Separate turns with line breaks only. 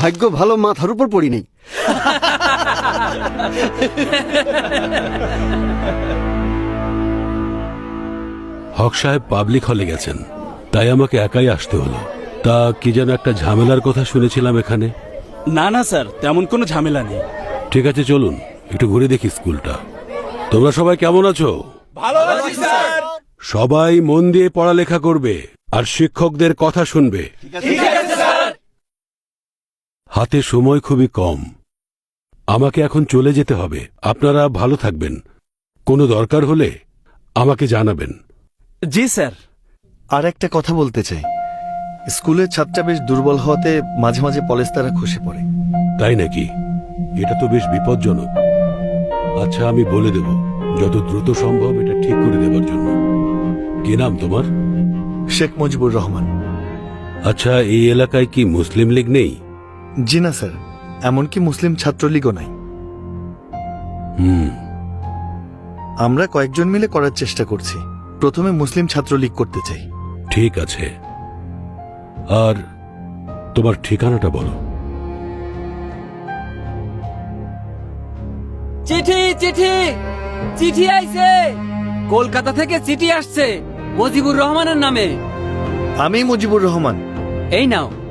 ভাগ্য ভালো, মাথার উপর পড়ি নেই।
হক সাহেব পাবলিক হলে গেছেন, তাই আমাকে একাই আসতে হলো। তা কি যেন একটা ঝামেলার কথা শুনেছিলাম এখানে।
না না স্যার, তেমন কোনো ঝামেলা নেই।
ঠিক আছে, চলুন একটু ঘুরে দেখি স্কুলটা। তোমরা সবাই কেমন আছো?
ভালো আছি স্যার।
সবাই মন দিয়ে পড়ালেখা করবে আর শিক্ষকদের কথা শুনবে।
ঠিক আছে স্যার।
হাতে সময় খুবই কম, আমাকে এখন চলে যেতে হবে। আপনারা ভালো থাকবেন, কোনো দরকার হলে আমাকে জানাবেন।
জি স্যার।
আর একটা কথা বলতে চাই, স্কুলের ছাত্ররা বেশ দুর্বল হওয়াতে মাঝে মাঝে পলেস্তারা খসে পড়ে।
তাই নাকি? এটা তো বেশ বিপজ্জনক। আচ্ছা, আমি বলে দেব যত দ্রুত সম্ভব এটা ঠিক করে দেবার জন্য। কি নাম তোমার?
শেখ মুজিবুর রহমান।
আচ্ছা, এই এলাকায় কি মুসলিম লীগ নেই?
জি না স্যার, এমনকি মুসলিম ছাত্রলীগও নাই। আমরা কয়েকজন মিলে করার চেষ্টা করছি। প্রথমে মুসলিম ছাত্রলীগ করতে চাই।
ঠিক আছে, আর তোমার ঠিকানাটা বলো।
চিঠি চিঠি চিঠি আইছে, কলকাতা থেকে চিঠি আসছে মুজিবুর রহমানের নামে।
আমি মুজিবুর রহমান।
এই নাও।